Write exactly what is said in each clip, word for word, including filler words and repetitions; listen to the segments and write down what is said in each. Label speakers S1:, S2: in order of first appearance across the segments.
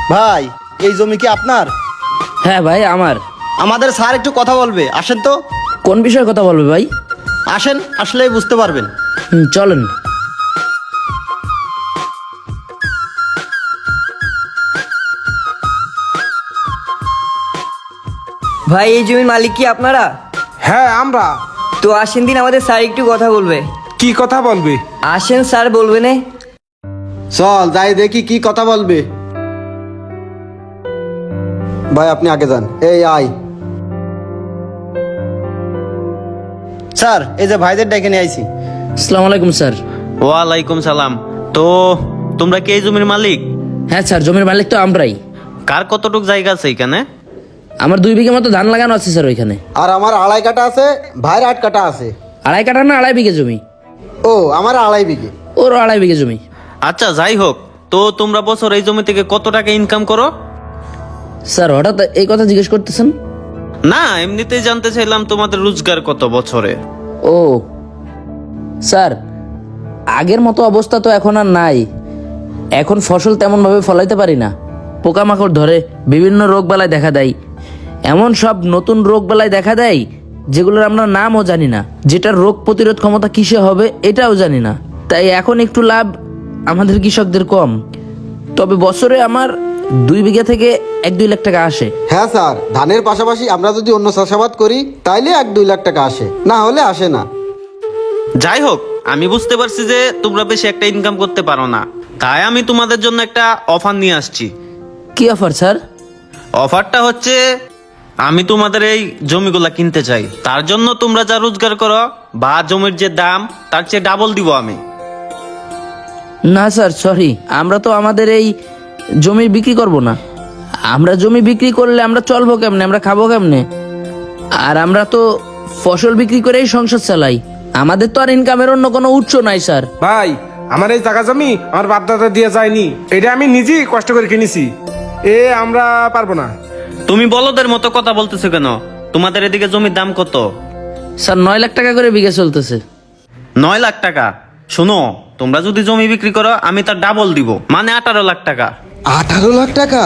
S1: ভাই, এই জমি কি আপনার?
S2: হ্যাঁ ভাই আমার।
S1: আমাদের স্যার একটু কথা বলবে, আসেন তো।
S2: কোন বিষয়ে কথা বলবে ভাই?
S1: আসেন, আসলেই বুঝতে পারবেন।
S2: হুম, চলেন।
S3: ভাই এই জমির মালিক কি আপনারা?
S4: হ্যাঁ আমরা।
S3: তো আসেন দিন, আমাদের স্যার একটু কথা বলবে।
S4: কি কথা বলবি?
S3: আসেন স্যার বলবে না।
S1: চল যাই দেখি কি কথা বলবে। ভাই আপনি আগে যান, এই আয়। স্যার, এই যে ভাইদের ডেকে নিয়ে আইছি।
S2: আসসালামু আলাইকুম স্যার।
S5: ওয়ালাইকুম সালাম। তো তোমরা কি এই জমির মালিক?
S2: হ্যাঁ স্যার, জমির মালিক তো আমরাই।
S5: কার কতটুক জায়গা আছে এখানে?
S2: আমার দুই বিঘা মতো ধান লাগানো আছে স্যার ওইখানে।
S1: আর আমার আড়াই কাটা আছে, ভাইয়ের আট কাটা আছে।
S2: আড়াই কাঠা না আড়াই বিঘা জমি?
S1: ও, আমার আড়াই বিঘে।
S2: ওর আড়াই বিঘা জমি।
S5: আচ্ছা যাই হোক, তো তোমরা বছর এই জমি থেকে কত টাকা ইনকাম করো?
S2: স্যার হঠাৎ এই কথা জিজ্ঞেস করতেছেন?
S5: না, এমনিতেই জানতে চাইলাম তোমাদের রোজগার কত বছরে।
S2: ও স্যার, আগের মতো অবস্থা তো এখন আর নাই। এখন ফসল তেমন ভাবে ফলাইতে পারি না, পোকামাকড় ধরে, বিভিন্ন রোগ বালাই দেখা দেয়। এমন সব নতুন রোগ বালাই দেখা দেয় যেগুলোর আমরা নামও জানি না, যেটার রোগ প্রতিরোধ ক্ষমতা কিসে হবে এটাও জানি না। তাই এখন একটু লাভ আমাদের কৃষকদের কম। তবে বছরে আমার দুই বিঘা থেকে এক দুই লাখ টাকা আসে।
S1: হ্যাঁ স্যার, ধানের পাশাপাশি আমরা যদি অন্য চাষাবাদ করি তাইলে এক দুই লাখ টাকা আসে, না হলে আসে না।
S5: যাই হোক, আমি বুঝতে পারছি যে তোমরা বেশি একটা ইনকাম করতে পারো না, তাই আমি তোমাদের জন্য একটা অফার নিয়ে আসছি।
S2: কি অফার স্যার?
S5: অফারটা হচ্ছে, আমি তোমাদের এই জমিগুলা কিনতে চাই। তার জন্য তোমরা যা রোজগার করো বা জমির যে দাম তার চেয়ে ডাবল দিব আমি।
S2: না স্যার, সরি, আমরা তো আমাদের এই জমি বিক্রি করব না। আমরা জমি বিক্রি করলে আমরা চলবো কেমনে, আমরা খাবো কেমনে? আর আমরা তো ফসল বিক্রি করেই সংসার চালাই, আমাদের তো আর ইনকামের অন্য কোনো উৎস নাই স্যার।
S4: ভাই, আমার এই জায়গা জমি আমার বাপ দাদা দিয়ে যায়নি, এটা আমি নিজেই কষ্ট করে কিনেছি। এ আমরা পারবো না।
S5: তুমি বলদের মতো কথা বলতেছো কেন? তোমাদের এদিকে জমির দাম কত?
S2: স্যার নয় লাখ টাকা করে বিঘা চলতেছে।
S5: নয় লাখ টাকা? শোনো, তোমরা যদি জমি বিক্রি করো আমি তার ডাবল দিব, মানে আঠারো লাখ টাকা।
S1: আঠারো লাখ টাকা?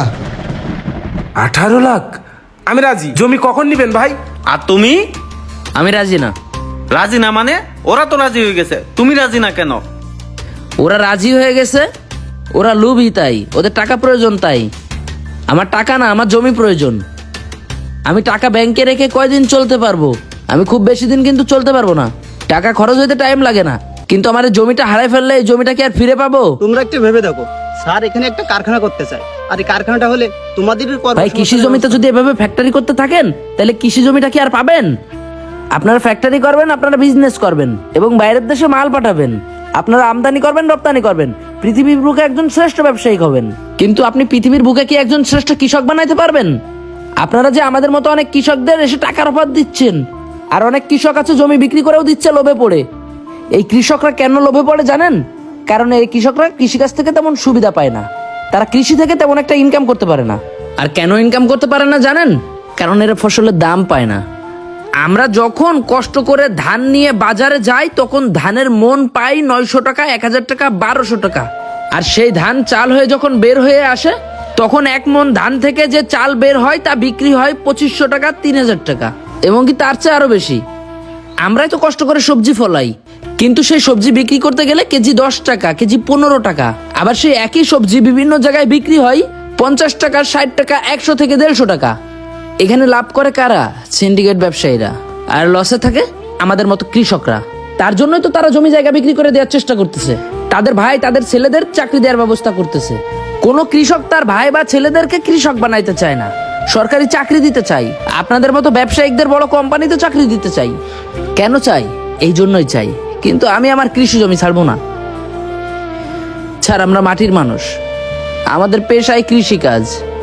S4: আঠারো লাখ? আমি রাজি। জমি কখন নিবেন ভাই?
S5: আর তুমি?
S2: আমি রাজি না।
S5: রাজি না মানে? ওরা তো রাজি হয়ে গেছে, তুমি রাজি না কেন?
S2: ওরা রাজি হয়ে গেছে, ওরা লোভী তাই, ওদের টাকা প্রয়োজন তাই। আমার টাকা না, আমার জমি প্রয়োজন। আমি টাকা ব্যাংকে রেখে কয়দিন চলতে পারবো, আমি খুব বেশি দিন কিন্তু চলতে পারবো না। টাকা খরচ হইতে টাইম লাগে না, কিন্তু আমার এই জমিটা হারাই ফেললে এই জমিটা কি আর ফিরে পাবো?
S1: তোমরা একটু ভেবে দেখো, স্যার এখানে একটা কারখানা করতে চায়, আর এই কারখানাটা হলে তোমাদের
S2: ভাই, কৃষি জমিতে যদি এভাবে ফ্যাক্টরি করতে থাকেন তাহলে কৃষি জমিটা কি আর পাবেন? আপনারা ফ্যাক্টরি করবেন, আপনারা বিজনেস করবেন এবং বাইরের দেশে মাল পাঠাবেন, আপনারা আমদানি করবেন, রপ্তানি করবেন, পৃথিবীর বুকে একজন শ্রেষ্ঠ ব্যবসায়ী হবেন। কিন্তু আপনি পৃথিবীর বুকে কি একজন শ্রেষ্ঠ কৃষক বানাইতে পারবেন? আপনারা যে আমাদের মতো অনেক কৃষকদের এসে টাকার অফার দিচ্ছেন, আর অনেক কৃষক আছে জমি বিক্রি করেও দিচ্ছে লোভে পড়ে। এই কৃষকরা কেন লোভে পড়ে জানেন? কারণ এই কৃষকরা কৃষিকাজ থেকে তেমন সুবিধা পায় না, তারা কৃষি থেকে তেমন একটা ইনকাম করতে পারে না। আর কেন ইনকাম করতে পারে না জানেন? কারণ এরা ফসলের দাম পায় না। আমরা যখন কষ্ট করে ধান নিয়ে বাজারে যাই তখন ধানের মন পাই নয়শো টাকা, এক হাজার টাকা, বারোশো টাকা। আর সেই ধান চাল হয়ে যখন বের হয়ে আসে তখন এক মন ধান থেকে যে চাল বের হয় তা বিক্রি হয় পঁচিশশো টাকা, তিন হাজার টাকা, এবং কি তার চেয়ে আরো বেশি। আমরাই তো কষ্ট করে সবজি ফলাই, কিন্তু সেই সবজি বিক্রি করতে গেলে কেজি দশ টাকা, কেজি পনেরো টাকা। আবার সেই একই সবজি বিভিন্ন জায়গায় বিক্রি হয় পঞ্চাশ টাকা, ষাট টাকা, একশো থেকে দেড়শো টাকা। এখানে লাভ করে কারা? সিন্ডিকেট ব্যবসায়ীরা। আর লসে থাকে আমাদের মতো কৃষকরা। তার জন্যই তো তারা জমি জায়গা বিক্রি করে দেওয়ার চেষ্টা করতেছে, তাদের ভাই তাদের ছেলেদের চাকরি দেওয়ার ব্যবস্থা করতেছে। কোনো কৃষক তার ভাই বা ছেলেদেরকে কৃষক বানাইতে চায় না, সরকারি চাকরি দিতে চাই, আপনাদের মতো ব্যবসায়িকদের বড় কোম্পানিতে চাকরি দিতে চাই। কেন চাই? এই জন্যই চাই। কিন্তু আমি আমার কৃষি জমি ছাড়বো না। ছাড়, আমরা মাটির মানুষ, আমাদের পেশায় কৃষিকাজ।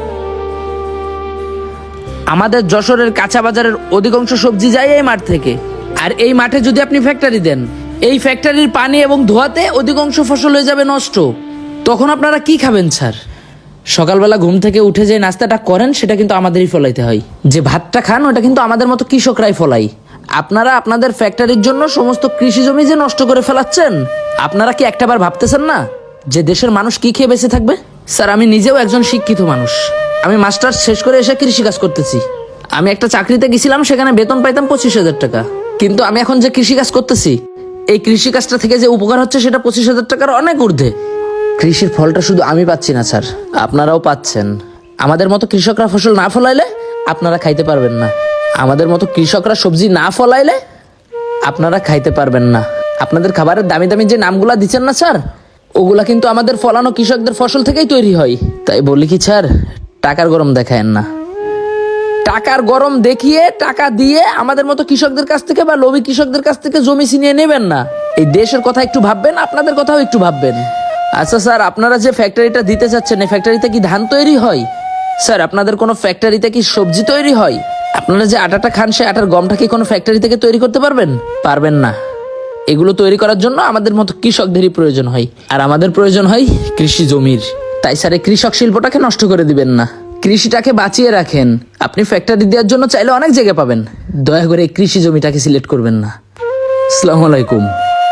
S2: আমাদের যশোরের কাঁচা বাজারের অধিকাংশ সবজি যায় এই মাঠ থেকে। আর এই মাঠে যদি আপনি ফ্যাক্টরি দেন, এই ফ্যাক্টরির পানি এবং ধোঁয়াতে অধিকাংশ ফসল হয়ে যাবে নষ্ট। তখন আপনারা কি খাবেন স্যার? সকালবেলা ঘুম থেকে উঠে যে নাস্তাটা করেন সেটা কিন্তু আমাদেরই ফলাইতে হয়, যে ভাতটা খান ওটা কিন্তু আমাদের মতো কৃষকরাই ফলাই। আপনারা আপনাদের ফ্যাক্টরির জন্য সমস্ত কৃষি জমি যে নষ্ট করে ফেলাচ্ছেন, আপনারা কি একটাবার ভাবতেছেন না? যে দেশের মানুষ কি খেয়ে বেঁচে থাকবে? স্যার আমি নিজেও একজন শিক্ষিত মানুষ, আমি মাস্টার্স শেষ করে এসে কৃষিকাজ করতেছি। আমি একটা চাকরিতে গেছিলাম, সেখানে বেতন পাইতাম পঁচিশ হাজার টাকা, কিন্তু আমি এখন যে কৃষিকাজ করতেছি এই কৃষিকাজটা থেকে যে উপকার হচ্ছে সেটা পঁচিশ হাজার টাকার অনেক ঊর্ধ্বে। কৃষির ফলটা শুধু আমি পাচ্ছি না স্যার, আপনারাও পাচ্ছেন। আমাদের মতো কৃষকরা ফসল না ফলাইলে আপনারা খাইতে পারবেন না, আমাদের মতো কৃষকরা সবজি না ফলাইলে আপনারা খাইতে পারবেন না। আপনাদের খাবারের দামি দামি যে নামগুলা দিচ্ছেন না স্যার, ওগুলা কিন্তু আমাদের ফলানো কৃষকদের ফসল থেকেই তৈরি হয়। তাই বলি কি স্যার, টাকার গরম দেখায়েন না। টাকার গরম দেখিয়ে টাকা দিয়ে আমাদের মতো কৃষকদের কাছ থেকে বা লোভী কৃষকদের কাছ থেকে জমি ছিনিয়ে নেবেন না। এই দেশের কথা একটু ভাববেন, আপনাদের কথাও একটু ভাববেন। আচ্ছা স্যার, আপনারা যে ফ্যাক্টরিটা দিতে চাচ্ছেন, এই ফ্যাক্টরিতে কি ধান তৈরি হয়? স্যার আপনাদের কোনো ফ্যাক্টরিতে কি সবজি তৈরি হয়? আপনারা যে আটাটা খান, সে আটার গমটা কি কোনো ফ্যাক্টরি থেকে তৈরি করতে পারবেন? পারবেন না। এগুলো তৈরি করার জন্য আমাদের মতো কৃষকদেরই প্রয়োজন হয়, আর আমাদের প্রয়োজন হয় কৃষি জমির। তাই স্যার এই কৃষক শিল্পটাকে নষ্ট করে দিবেন না, কৃষিটাকে বাঁচিয়ে রাখেন। আপনি ফ্যাক্টরি দেওয়ার জন্য চাইলে অনেক জায়গা পাবেন, দয়া করে এই কৃষি জমিটাকে সিলেক্ট করবেন না। আসসালামু আলাইকুম।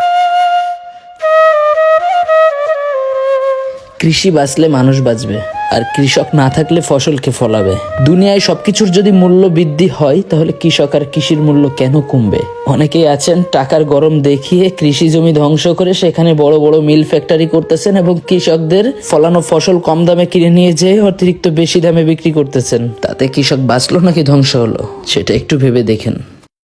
S2: কৃষি বাঁচলে মানুষ বাঁচবে, আর কৃষক না থাকলে ফসলকে ফলাবে। দুনিয়ায় সবকিছুর যদি মূল্য বৃদ্ধি হয়, তাহলে কৃষক আর কৃষির মূল্য কেন কমবে? অনেকেই আছেন টাকার গরম দেখিয়ে কৃষি জমি ধ্বংস করে সেখানে বড় বড় মিল ফ্যাক্টরি করতেছেন এবং কৃষকদের ফলানো ফসল কম দামে কিনে নিয়ে যেয়ে অতিরিক্ত বেশি দামে বিক্রি করতেছেন। তাতে কৃষক বাঁচলো নাকি ধ্বংস হলো, সেটা একটু ভেবে দেখেন।